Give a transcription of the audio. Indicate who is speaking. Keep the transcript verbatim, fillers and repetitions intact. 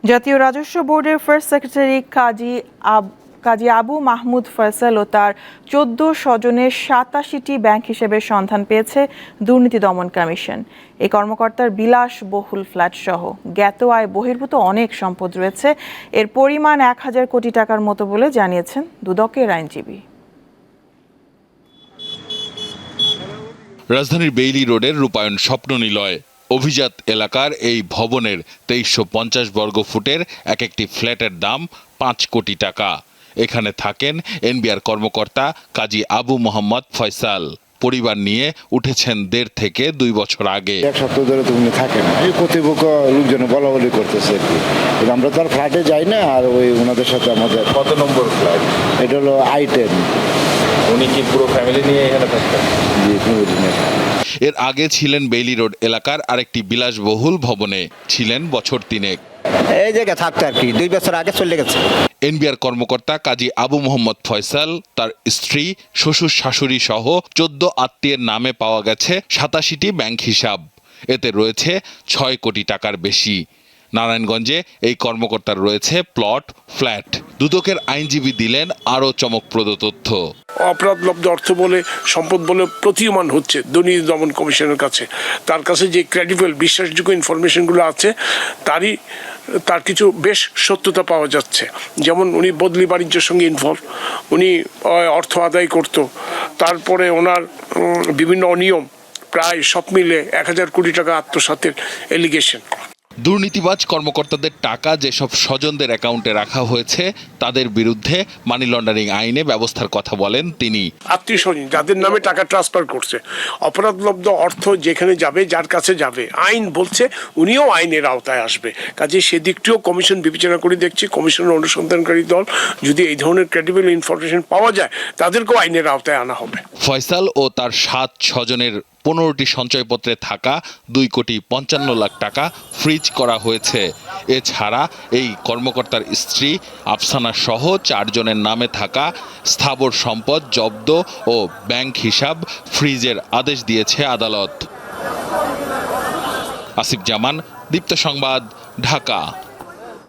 Speaker 1: জাতীয় রাজস্ব বোর্ডের ফার্স্ট সেক্রেটারি কাজী আব কাজী আবু মাহমুদ ফয়সাল ও তার চোদ্দ স্বজনের সাতাশিটি ব্যাংক হিসেবের সন্ধান পেয়েছে দুর্নীতি দমন কমিশন। এই কর্মকর্তার বিলাসবহুল ফ্ল্যাট সহ জ্ঞাত আয় বহির্ভূত অনেক সম্পদ রয়েছে। এর পরিমাণ এক হাজার কোটি টাকার মতো বলে জানিয়েছেন দুদকের আইনজীবী।
Speaker 2: রাজধানীর বেইলি রোডের রূপায়ণ স্বপ্ন নিলয় অভিজাত এলাকার এই ভবনের তেইশশো পঞ্চাশ বর্গ ফুটের এক একটি ফ্ল্যাটের দাম পাঁচ কোটি টাকা। এখানে থাকেন এনবিআর কর্মকর্তা কাজী আবু মোহাম্মদ ফয়সাল। পরিবার নিয়ে উঠেছেন দেড় থেকে দুই বছর আগে।
Speaker 3: এক সপ্তাহ ধরে তো উনি থাকেন, এই কর্তৃপক্ষ লোকজন বলা বলি করতেছে আর কি। আমরা তো আর ফ্ল্যাটে যাই না, আর ওই ওনাদের সাথে আমাদের।
Speaker 4: কত নম্বর ফ্ল্যাট?
Speaker 3: এটা হলো আই টেন।
Speaker 4: উনি কি পুরো ফ্যামিলি নিয়ে এখানে থাকতেন?
Speaker 3: জি, ফ্যামিলি নিয়ে।
Speaker 2: এর আগে ছিলেন বেইলি রোড এলাকার আরেকটি বিলাসবহুল ভবনে, ছিলেন বছর তিনেক।
Speaker 5: এই জায়গায় থাকতো আর কি, দুই বছর আগে চলে গেছে।
Speaker 2: এনবিআর কর্মকর্তা কাজী আবু মোহাম্মদ ফয়সাল, তার স্ত্রী, শ্বশুর শাশুড়ি সহ চোদ্দ আত্মীয়ের নামে পাওয়া গেছে সাতাশিটি ব্যাংক হিসাব। এতে রয়েছে ছয় কোটি টাকার বেশি। নারায়ণগঞ্জে এই কর্মকর্তার রয়েছে প্লট, ফ্ল্যাট। দুদকের আইনজীবী দিলেন আরও চমকপ্রদ তথ্য।
Speaker 6: অপরাধলব্ধ অর্থ বলে সম্পদ বলে প্রতীয়মান হচ্ছে দুর্নীতি দমন কমিশনের কাছে। তার কাছে যে ক্রেডিবল বিশ্বাসযোগ্য ইনফরমেশনগুলো আছে তারই তার কিছু বেশ সত্যতা পাওয়া যাচ্ছে। যেমন উনি বদলি বাণিজ্যের সঙ্গে ইনভলভ, উনি অর্থ আদায় করত, তারপরে ওনার বিভিন্ন অনিয়ম, প্রায় সব মিলে এক হাজার কোটি টাকা আত্মসাতের এলিগেশন।
Speaker 2: দুর্নীতিবাজ কর্মকর্তাদের টাকা যেসব স্বজনদের অ্যাকাউন্টে রাখা হয়েছে তাদের বিরুদ্ধে মানি লন্ডারিং আইনে ব্যবস্থার কথা বলেন তিনি।
Speaker 6: আত্মীয় স্বজন যাদের নামে টাকা ট্রান্সফার করছে, অপরাধলব্ধ অর্থ যেখানে যাবে, যার কাছে যাবে, আইন বলছে উনিও আইনের আওতায় আসবে। কাজে সেদিকটিও কমিশন বিবেচনা করে দেখছি। কমিশনের অনুসন্ধানকারী দল যদি এই ধরনের ক্রেডিবল ইনফরমেশন পাওয়া যায় তাদেরকেও আইনের আওতায় আনা হবে।
Speaker 2: ফয়সাল ও তার সাত স্বজনের পনেরোটি সঞ্চয়পত্রে থাকা দুই কোটি পঞ্চান্ন লাখ টাকা ফ্রিজ করা হয়েছে। এছাড়া এই কর্মকর্তার স্ত্রী আফসানা সহ চারজনের নামে থাকা স্থাবর সম্পদ জব্দ ও ব্যাংক হিসাব ফ্রিজের আদেশ দিয়েছে আদালত। আসিফ জামান, দীপ্ত সংবাদ, ঢাকা।